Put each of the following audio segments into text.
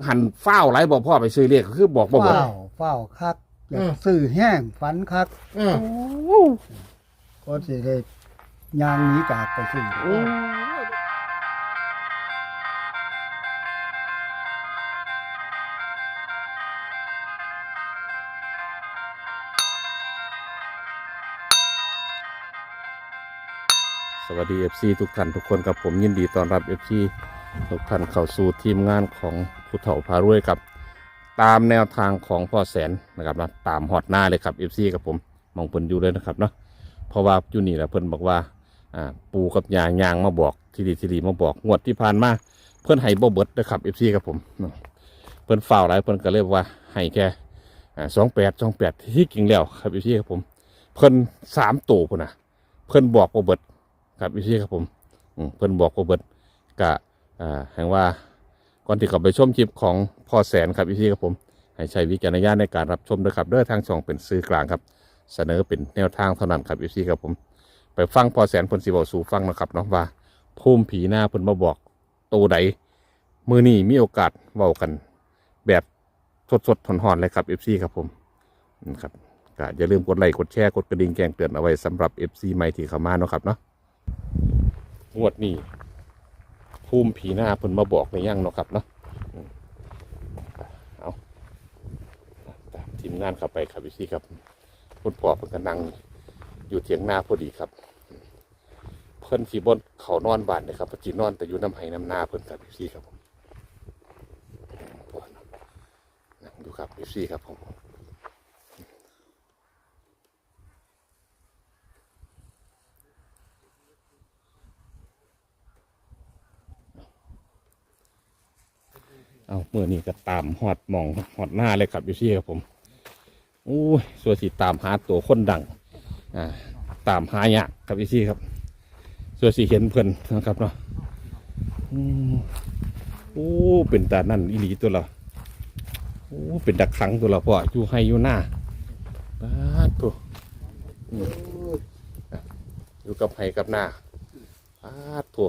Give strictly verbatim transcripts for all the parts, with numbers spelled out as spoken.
หันเฝ้าไรบอกพ่อไปซื้อเลขคือบอกบ่บ่เฝ้าเฝ้าคักอยากซื้อแห้งฝันคักเออก็สิได้ยางหนี้จากไปซื้อโอ้สวัสดี เอฟ ซี ทุกท่านทุกคนกับผมยินดีต้อนรับ เอฟ ซี ทุกท่านเข้าสู่ทีมงานของผู้เฒ่าพารวยครับตามแนวทางของพ่อแสนนะครับนะตามฮอดหน้าเลยครับ เอฟ ซี กับผมมองเพิ่นอยู่เลยนะครับเนาะเพราะว่าอยู่นี่แหละเพิ่นบอกว่าอ่าปูกับยางยางมาบอกทีดีทีดีมาบอกงวดที่ผ่านมาเพิ่นให้บ่เบิดนะครับ เอฟ ซี กับผมเพิ่นฝ่าวหลายเพิ่นก็เลยว่าให้แค่อ่าสองแปดสองแปดที่จริงแล้วครับ เอฟ ซี กับผมเพิ่นสามตัวพุ่นน่ะเพิ่นบอกบ่เบิดครับพี่ครับผมเพิ่นบอกว่าเบิดกะอ่าแห่งว่าก่อนที่เขาไปชมคลิปของพ่อแสนครับพี่ครับผมให้ใช้วิจารณญาณในการรับชมด้วยครับเด้อทางช่องเป็นสื่อกลางครับเสนอเป็นแนวทางเท่านั้นครับพี่ครับผมไปฟังพ่อแสนเพิ่นสิบอกสู่ฟังนะครับเนาะว่าภูมิผีหน้าเพิ่นมาบอกตัวใดมือนี้มีโอกาสเว้ากันแบบสดๆหอนๆเลยครับ เอฟ ซี ครับผมนะครับก็อย่าลืมกดไลค์กดแชร์กดกระดิ่งแจ้งเตือนเอาไว้สำหรับ เอฟ ซี ใหม่ที่เข้ามาเนาะครับเนาะงวดนี้ภูมิผีหน้าเพิ่นมาบอกในย่างเนาะครับเนาะเอาตามทีมงานเข้าไปครับพี่ซี่ครับคุณพ่อเพิ่นกำลังอยู่เถียงนาพอดีครับเพิ่นสีบนเขานอนบ้านนะครับจีนอนแต่อยู่น้ำไห้น้ำนาเพิ่นครับพี่ซี่ครับผมนั่งดูครับพี่ซี่ครับผมเอาเมื่อนี้ก็ตามหอดหมองหอดหน้าเลยครับอยู่ที่ครับผมโอ้ยส่วนสีตามหาตัวคนดังอ่าตามหายากครับอยู่ที่ครับส่วนสีเห็นเพื่อนนะครับเนาะโอ้เป็นตานั่นอีหลีตัวเราโอ้เป็นดักขังตัวเราพ่ออยู่ให้อยู่หน้าบ้าตัวอยู่กับให้กับหน้าบ้าตัว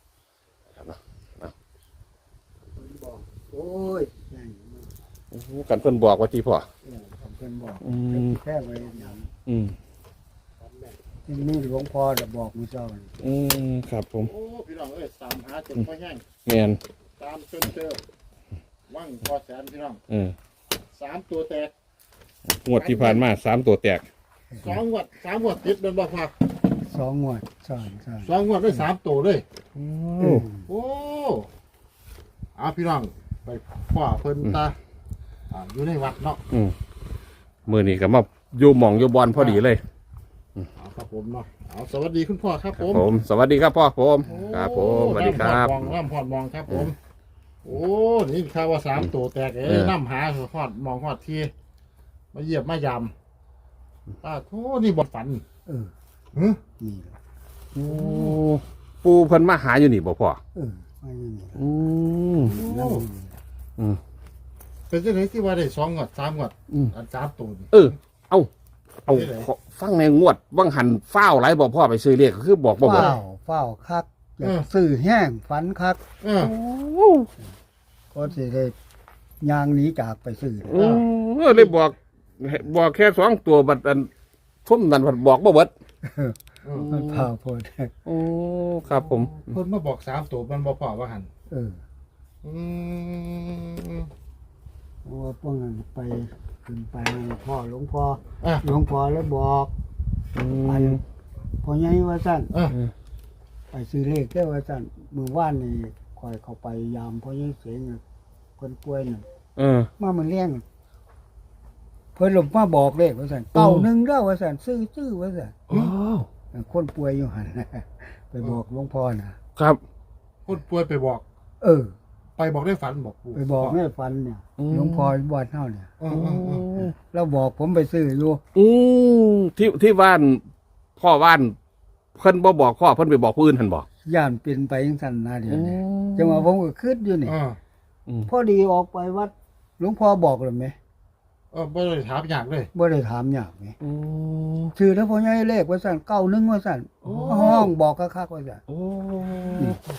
โอ้ยกันเพิ่นบอกว่าที่พ่อเออผมเพิ่นบอกอืมแค่ไว้อย่างอืมที่นี่หลวงพ่อจะบอกมือเจ้าอืมครับผมโอ้พี่น้องเอ้ยตามหาจนพ่อแห้งแมนตามจนเจอว่างพอแสนพี่น้องเออสามตัวแตกงวดที่ผ่านมาสามตัวแตกสองงวดสามงวดติดโดนบ่พอสองงวดสอนสอนสองงวดได้สามตัวเลยโอ้เออโอ้เอาพี่น้องไปพ่อเพิ่นตาอ่าอยู่ในวัดเนาะอืมมือนี้ก็มาอยู่หม่องอยู่บอลพอดีเลยเอาครับผมเนาะเอาสวัสดีคุณพ่อครับผมผม สวัสดีครับพ่อผมโอ้ครับผมสวัสดีครับน้ำพอดมองน้ำพอดมองครับผม โอ้นี่ข่าวว่าสามตัวแตกเอ้เอย อน้ำหาหอดมองหอดทีมาเหยียบมายำป้าโธ่นี่บทฝันเออหึนี่แหละโอ้ปูเพิ่นมาหาอยู่นี่บ่พ่อเออไม่นี่แหละอืมนั่นอืมเป็นจังไหนที่ว่าได้สองงวดสามงวดอืมอันสามตัวนี่เออ เอาเอาขอฟังในงวดว่างหันเฝ้าไรบอกพ่อไปซื้อเลขก็คือบอกบ่บ่เฝ้าเฝ้าคักอยากซื้อแห้งฝันคักเออก็สิได้ยางหนี้จากไปซื้อเออเลยบอกบอกแค่สองตัวบัดอันทุ่มนันบัดบอกบ่เบิดมันเผาโพดโอ้ครับผมเพิ่นมาบอกสามตัวมันบ่พอว่าหันเอออืมเพราะว่าพวกนั้นไปขึ้นไปพ่อหลวงพ่ออ่ะหลวงพ่อแล้วบอกอือันมพ่อใหญ่ว่าสั่นอ่ะไปซื้อเลขได้ว่าสั่นมือว่านนี่คอยเข้าไปยามพ่อใหญ่เสียงน่ะคนป่วยน่ะเออมามันเลี้ยงเพิ่นหลบมาบอกเลขว่าสั่นเก่าหนึ่งเด้อว่าสั่นซื้อซื้อว่าสั่นโอ้คนป่วยอยู่หัน ไปบอกหลวงพ่อน่ะครับคนป่วยไปบอกเออไปบอกได้ฝันบอกปู่ไปบอกแม่ฟันเนี่ยหลวงพ่อบ้านเฮาเนี่ยเออเออเออแล้วบอกผมไปซื้ออยู่อืมที่ที่บ้านพ่อบ้านเพิ่นบ่บอกพ่อเพิ่นไปบอกผู้อื่นหั่นบ่ย่านเป็นไปจังซั่นนะเดี๋ยวนี้จังว่าผมก็คิดอยู่นี่เออพอดีออกไปวัดหลวงพ่อบอกเลยไหมเออบ่ได้ถามอย่างเลยบ่ได้ถามยากไหมโอ้ชื่อแล้วพ่อใหญ่เลขว่าสั่นเก้าหนึ่งว่าสั่นห้องบอกคักๆว่าสั่นโอ้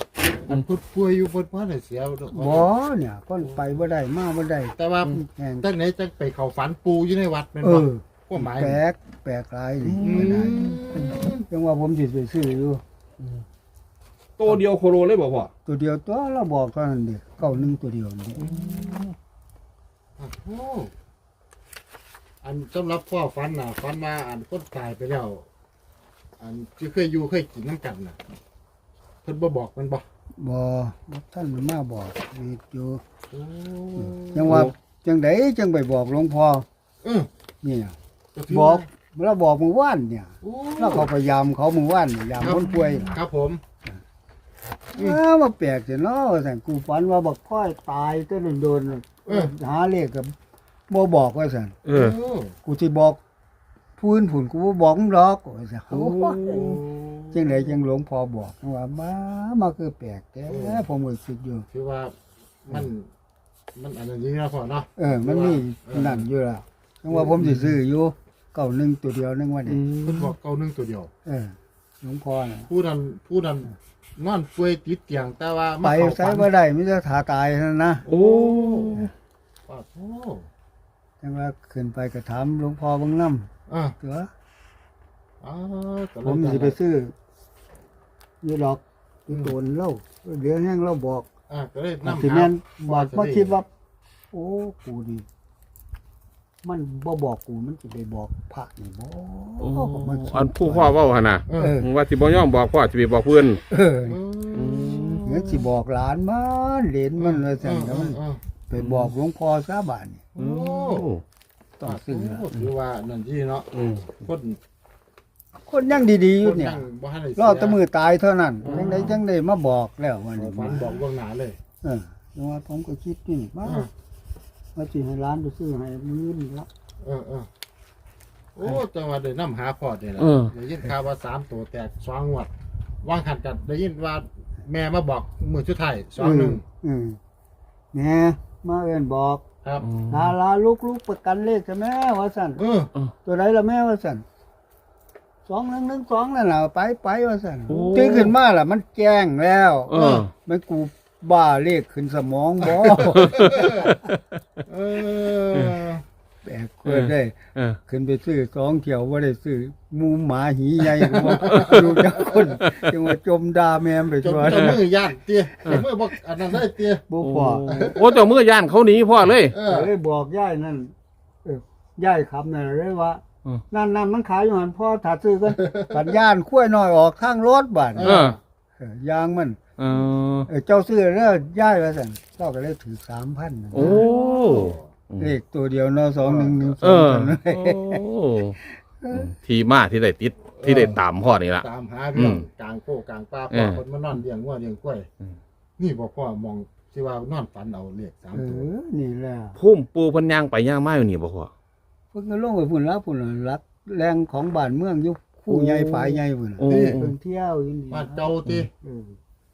อันพูดป่วยอยู่บนบ้านเสียดอกบ่เนี่ยคนไปบ่ได้มาบ่ได้แต่ว่าแห่งตั้งไหนจังไปเข้าฝันปูอยู่ในวัดแม่นเอบ่อก็หมายแปลกแปลกหลายนี่อืไม่ได้มจังว่าผมสิไปซื้ออยู่ตัวเดียวโคโลเลยบ่พ่อตัวเดียวตัวเราบอกเท่านั้นเด้เก้าหนึ่งตัวเดียวนี่โอ้โหอันสำหรับพ่อฝันน่ะฝันว่าอันคนตายไปแล้ว อันที่เคยอยู่เคยกินน้ำกันน่ะเพิ่นบ่บอกมันบ่บ่บ่ท่านมันมาบอกมีอยู่โอ้จังว่าจังไดจังไปบอกหลวงพ่อเออเนี่ยก็ถืบอกว่าเราบอกมื้อวานเนี่ยโอ้แล้วเขาพยายามเขามื้อวานนี่ยามคนป่วยครับผมอ้ามาแปลกจังเนาะว่าซั่นกูฝันว่าบักค่อยตายแต่โดนๆหาเลขก็บ่บอกว่าซั่นเออโอ้กูสิบอกพื้นผุนกูบ่บอกมึงหรอกว่าซั่นโอ้จังไดจังหลวงพ่อบอกว่ามามาคือแปลกแต่ผมก็คิดอยู่คือว่ามัน มันอันนี้นะพ่อเนาะเออ มันมีนั่นอยู่แล้วจังว่าผมสิซื้ออยู่เก้าหนึ่งตัวเดียวนึงว่านี่เพิ่นบอกเก้าหนึ่งตัวเดียวเออหลวงพ่อน่ะผู้นั้นผู้นั้นนอนป่วยติดเตียงแต่ว่าไปมาเข้าใช้ฝันบ่ได้มีแต่ถาตายเท่านั้นนะโอ้ว่าโอ้จังว่าขึ้นไปก็ถามหลวงพ่อเบิ่งนำอ่ะตัวอ๋อก็ผมสิไปซื้ออยู่ดอกอยู่โตนเล่าเดี๋ยวแห้งเราบอกอ่ะก็เลยนำสิแม่นบอกมาคิดว่า โอ้กูดิมันบ่บอกกูมันสิไปบอกพระนี่บ่โอ้มันคิดอันผู้พ่อเว้าหั่นน่ะเอเอออว่าสิบ่ยอมบอกพ่อสิไปบอกเพิ่นเอออืมเดี๋ยวสิบอกหลานมันเหลนมันว่าซั่นแล้วมันเออไปบอกหลวงพ่อซะบาดนี่โอ้ต้องซื้อละโถือว่านั่นที่เนาะอืมคนคนยังดีๆอคยู่นเนี่ยยังบ่ทันได้รอแตะมือตายเท่านั้นจังไดจังได้มาบอกแล้ววันเสียนี้ฝันบอกล่วงหน้าเลยเออจังว่าผมก็คิดนี่ว่าอ่ะว่าสิให้ร้านไปซื้อให้มื้อนี่ละเออเออโอ้จังหวะได้นำหาพอดนี่แหละเออได้ยินข่าวว่าสามตัวแตกสองงวดวางหันกันได้ยินว่าแม่มาบอกมือชุดไทายสองหนึ่งอืมแหน่มาเอิ้นบอกครับลาลาลูกๆประกันเลขใช่ไหมว่าซั่นเออตัวใดล่ะแม่ว่าซั่นสองหนึ่งหนึ่งสองนั่นล่ะไปไปว่าซั่นโอ้ตื่นขึ้นมาล่ะมันแจ้งแล้วเออมันกูบ้าเลขขึ้นสมองบ่เออแปลกเกินได้เออขึ้นไปซื้อสองเที่ยวบ่ได้ซื้อหมูหมาหีใหญ่บ่อยู่จักคนจังว่าจมด่าแม่มไปจนทั่วเจะมือย่านเตี้ยเจะมือบอกอันนั้นได้เตี้ยบ่โอ้พอโอ้เจ้ามือย่านเขาหนีพ่อเลยเอก็อเลยบอกยายนั่นเออยายขับนั่นเลยว่าอืมนั่นนั่นมันขายอยู่หันพ่อถ้าซื้อกันสัญญาณคุ้วยน้อยออกข้างรถบาดเออเออยางมันเออเออเจ้าซื้อแล้วย้ายว่าซั่นเจ้าก็เลยถือ สามพันโอ้เลขตัวเดียวเนาะสองหนึ่งหนึ่งสเอองอกันเลยโอ้ทีมาที่ได้ติดที่ได้ตามพ่อนี่ละตามหาเรื่องอืมกลางโค้กลางป่าเอพ่ออคนมานอนเลี้ยงวัวเลี้ยงกล้วยอืมนี่บอกพ่อมองสิว่านอนฝันเอาเลขสามเอตัวอนี่แหละพุ่มปูเพันยางไปย่างมาอยู่นี่บ่พ่อเพิ่นก็ลงไปพุ่นละพุ่นละรักแรงของบ้านเมืองอยู่คู่ใหญ่ฝ่ายใหญ่พุ่นน่ะโอ้เพิ่นเที่ยวอยู่นี่บ้านเจ้าติเออ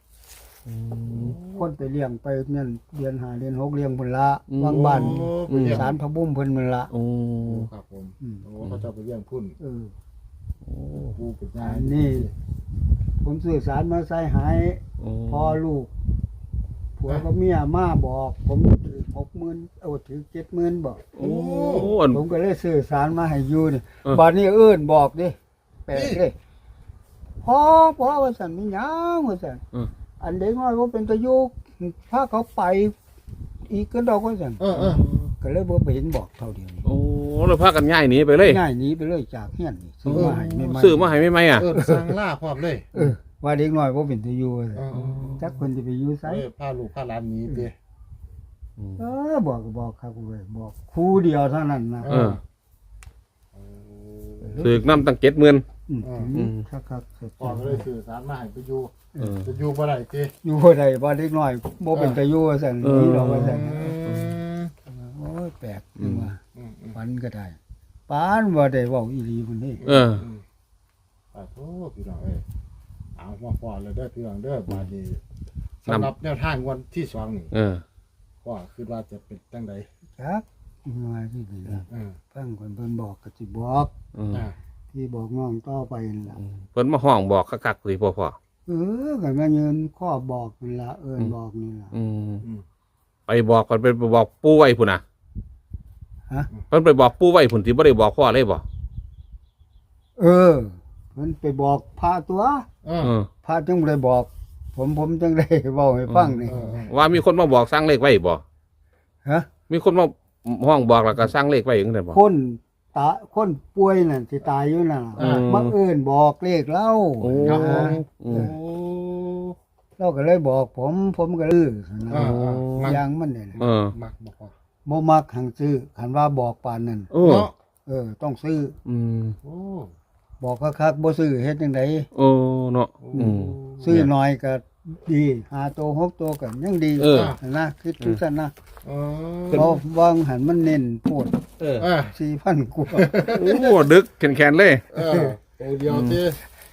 คนไปเลี้ยงไปนั่นเดือนห้าเดือนหกเลี้ยงพุ่นละวางบ้านโอ้ไปเลี้ยงสารพระบุ้มเพิ่นมันละโอ้ครับผมอืมโอ้เขาเจะไปเลี้ยงพุ่นเออผู้เป็นยาอันนี้ ผมสื่อสารมาใส่หายโอ้พ่อลูกผัวกับเมียมาบอก ผมถือหกหมื่นเอาถือเจ็ดหมื่นบอกโอ้อันผมก็เลยสื่อสารมาให้อยู่นี่เออบัดนี้เอื้นบอกดิแปลกเลยพ่อพ่อว่าสันมีหยังว่าสันเอออันเด็กน้อยว่าเป็นตะยุกพาเขาไป อีกก็ดอกว่าสันเออเออก็เลยบ่ไปเห็นบอกเท่าเดียวนี้โอ้เราพากันง่ายหนีไปเลยง่ายหนีไปเลยจากเฮียนนี่ซื้อมาให้ไม่ไม่ซื้อมาให้ไม่ไหมอ่ะเออสั่งล่าพร้อมเลยเออว่าเด็กน้อยว่าเป็นตะยุว่าซั่นเออเออจักคนจะไปอยู่ไสเออพาลูกพาหลานหนีติเออบอกก็บอกครับเว้ยบอกครูเดียวเท่านั้นนะเออ ถือน้ำตั้งเจ็ดหมื่นอืมอืมครับครับครับพ่อก็เลยสื่อสารมาให้ไปอยู่เออจะอยู่บ่ได้ติอยู่บ่ได้บ่เด็กน้อยบ่เป็นตะอยู่ว่าซั่นเออนี่ดอกว่าซั่นอืมโอ้ยแปลกจังว่าอืมอืมฝันก็ได้ปานบ่ได้เว้าอีหลีพุ่นนี่เอออืมอ่าโธ่พี่น้องเอ้ยเอามาพ่อเลยเด้อพี่น้องเด้อบาดนี้สำหรับแนวทางวันที่สองนี่เออพ่อคิดว่าจะเป็นจังไดจักมาที่นี่ล่ะเออฟังเพิ่นเพิ่นบอกก็สิบอกอืมอ่าที่บอกน้องต่อไปนั่นล่ะเพิ่นมาห้องบอกคักๆสิพ่อพ่อเเออก็มายืนข้อบอกนี่ล่ะเอิ้นบอกนี่ล่ะอืมอืมไปบอกก่อนไปบอกปู่ไว้พุ่นน่ะฮะเพิ่นไปบอกปู่ไว้พุ่นที่บ่ได้บอกพ่อเลยบ่เออมันไปบอกพระตัวเออเออพระจึงบ่ได้บอก ผมผมจึงได้เว้าให้ฟังนี่เออเออว่ามีคนมาบอกสร้างเลขไว้บ่ฮะมีคนมาห้องบอกแล้วก็สร้างเลขไว้จังได๋บ่คนตาคนป่วยนั่นที่ตายอยู่นั่นอืมมาเอิ้นบอกเลขเล่าโอ้ครับผมอืโอ้มเราก็เลยบอกผม ผมก็ลืออ่าอ่ามักอย่างมันเนี่ยเออมักบ่พอบ่มักหังซื้อคันว่าบอกปานนั้นเออเนาะเออ ต้องซื้ออืมโอ้บอกคักๆบ่ซื้อเฮ็ดจังไดโอ้เนาะอืมซื้อน้อยก็ดีหาโตวหกตัวก็ยังดีเออนะคิดจังซั่นนะเอเพราะวางหันมันเน้นโพดเอออสี่พันกว่าโอ้ดึกแขนๆเลยเออตัวเดียวที่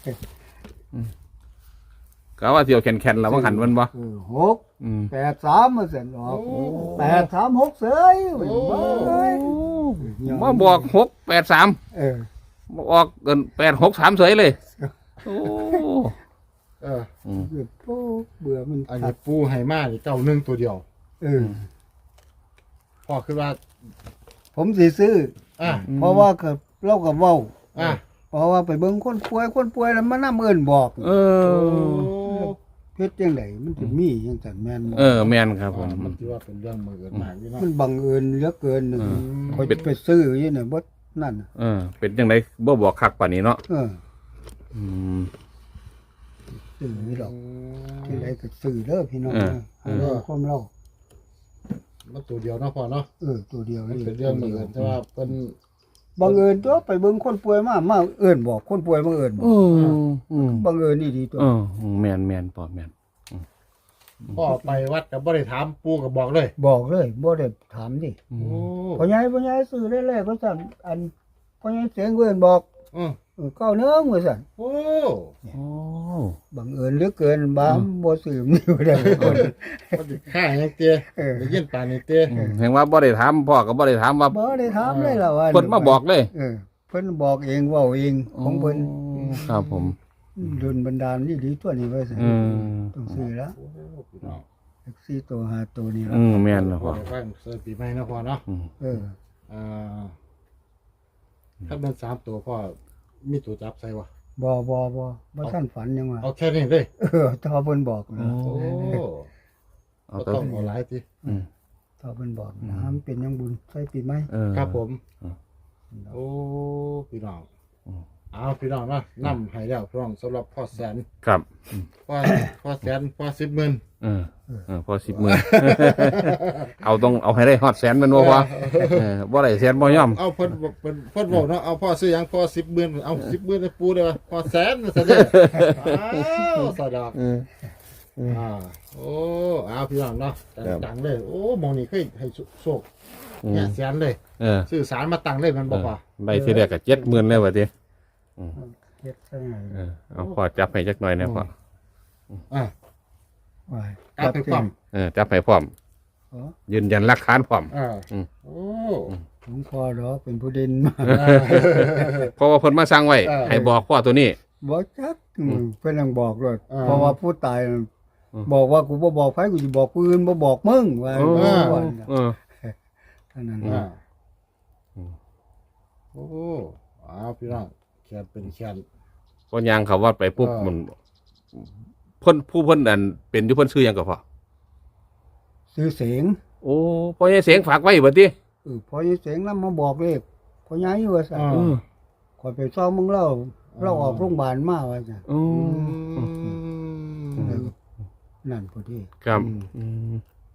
ก็ว่าเที่ยวแขนๆแล้วว่าหันมันบ่เออหกอืมแปดสามมาเสร็จออกโอ้แปดสามหกเสยโอ้เอ้ยมาบอกหกแปดสามเออออกเกินแปดหกสามเฉยเลย โอ้เอออืมเบื่อโอ้เบื่อมันอันขันี้ดปูให้มานี่เก้าหนึ่งตัวเดียวเออพ่อคือว่าผมสิซื้ออ่ะเพราะว่าก็เราก็เว้าอ่ะเพราะว่าไปเบิ่งคนป่วยคนป่วยแล้วมานำเอิ้นบอกเอโอ้อเฮ็ดจังไดมันสิมีจังซั่นแม่นบ่เออแม่นครับผมมันถือว่าเป็นเรื่องมือเกินมากนี่เนาะมันบังเอิญเหลือเกินเออคอยไปซื้ออยู่เนี่ยบ่นั่นน่ะเออ เป็นจังไดบ่บอกคักป่านนี้เนาะเอออืมซื้อนี่ดอกจังไดก็ซื้อเด้อพี่น้องเออนะให้เราความเรามันตัวเดียวเนาะพ่อเนาะเออตัวเดียวมันนี่เป็นเรื่องมือเกินแต่ว่าเป็นบังเอิญตัวไปเบิ่งคนป่วยมามาเอิ้นบอกคนป่วยมาเอิ้นบเออกออืมบังเอิญนี่ดีตัวเออแม่นแม่นปอแม่นพ่อไปวัดกับบ่ได้ถามปูกับบอกเลยบอกเลยบ่ได้ถามดิอืโอ้มพ่อใหญ่พ่อใหญ่ซื้อได้แล้วก็สั่นอันพ่อใหญ่เสียงเอิ้นบอกอือเออเก้าเนื้อว่าสั่นโอ้โอ้บังเอิญเหลือเกินบามบ่ซื้อนี่บ่ได้คนมันสิฆ่าหยังเตี้ยเออได้ยินปานนี้เตี้ยอืมแห่งว่าบ่ได้ถามพ่อก็บ่ได้ถามว่าบ่ได้ถามเลยล่ะว่าเพิ่นมาบอกเลยเออเพิ่นบอกเองเว้าเองของเพิ่นครับผมดลบันดาลนี่ดีตัวนี้ไว้สิอืมต้องซื้อแล้วโอ้พี่น้องแท็กซี่ตัวหาตัวนี้ละอืมแม่นแล้วพ่พ่ออฟังเสิร์ฟปีใหม่เนาะพ่อเนาะอืมเอออ่าถ้าเป็นสามตัวพ่อมีตัวจับใส่วะบ่บ่บ่บ่ท่านฝันยังว่าเอาแค่นี้เลยเออถ้าเพิ่นบอกนะโอ้เอาก็ตัวต้องเอาหลายทีอืมถ้าเพิ่นบอกนะมันเป็นยังบุญใส่ปีใหม่เออครับผมอืมโอ้พี่น้องอืมเอาพี่น้องเนาะนำให้แล้วพี่น้องสำหรับพ่อแสนครับพ่อพ่อแสนพ่อสิบหมื่นเออเออพอสิบหมื่น เอาต้องเอาให้ได้ฮอดแสนแมันบ่พอเออบ่ได้แสนบ่ยอมเอาเพิ่นบอกเพิ่นเพิ่นบอกเนาะเอาพ่อซื้อหยังพ่อสิบหมื่นเอาสิบหมื่นให้ปูได้ป่ะพ่อแสนมาซะเด้ออ้าวสะดอกเอออ่าโอ้เอาพี่น้องเนาะครับดังๆเลยโอ้หมองนี่เคยให้โชคอืมเนี่ยแสนเลยเออซื้อสารมาตั้งเลยมันบอกว่าได้ทีแรกก็เจ็ดหมื่นแล้วว่าติเฮ็ดซะหน่อยเออเอาพอจับให้จักหน่อยนะพ่ออ่าว่าการไปความเออจับให้พร้อมอ๋อยืนยันหลักฐานพร้อมอ่าอืมโอ้ผมพอดอกเป็นผู้เด่นมาเพราะว่าเพิ่นมาสั่งไว้เออให้บอกพ่อตัวนี้บ่จักอืมเพิ่นยังบอกเลยอ่าเพราะว่าผู้ตายอืมบอกว่ากูบ่บอกไผกูสิบอกปืนบ่บอกมึงว่าโอ้ว่าเออเท่านั้นอ่าอืมโอ้เอาพี่น้องแขนเป็นแขนพอยางเขาวัดไปปุ๊บเออมันเพิ่นผู้เพิ่นอันเป็นอยู่เพิ่นชื่อหยังก็พอซื้อเสียงโอ้พ่อใหญ่เสียงฝากไว้บ่ติเออพอยี่เสียงนำมาบอกเลขพอย้ายอยู่ว่าซั่นอ่าเออขอยไปซ้อมมึงเล่าเราออกโรงพยาบาลมาว่าซั่นโอ้อืมนั่นพอดีครับอืมอืม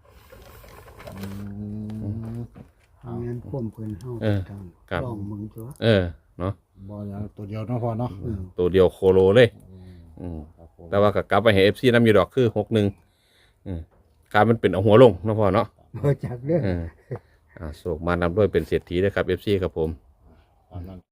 อืมเอางั้นควมเพิ่นเฮาเออทางครับลองมึงตัวเออเนาะบ่อย่างตัวเดียวเนาะพ่อเนาะเออตัวเดียวโคโลเลย อืมครับผมแต่ว่าก็กลับไปให้ เอฟ ซี นำอยู่ดอกคือหกหนึ่งอืมการมันเป็นเอาหัวลงเนาะพ่อเนาะบ่จักเด้อเอออ่าโศกมานำด้วยเป็นเศรษฐีนะครับ เอฟ ซี ครับผมตามนั้น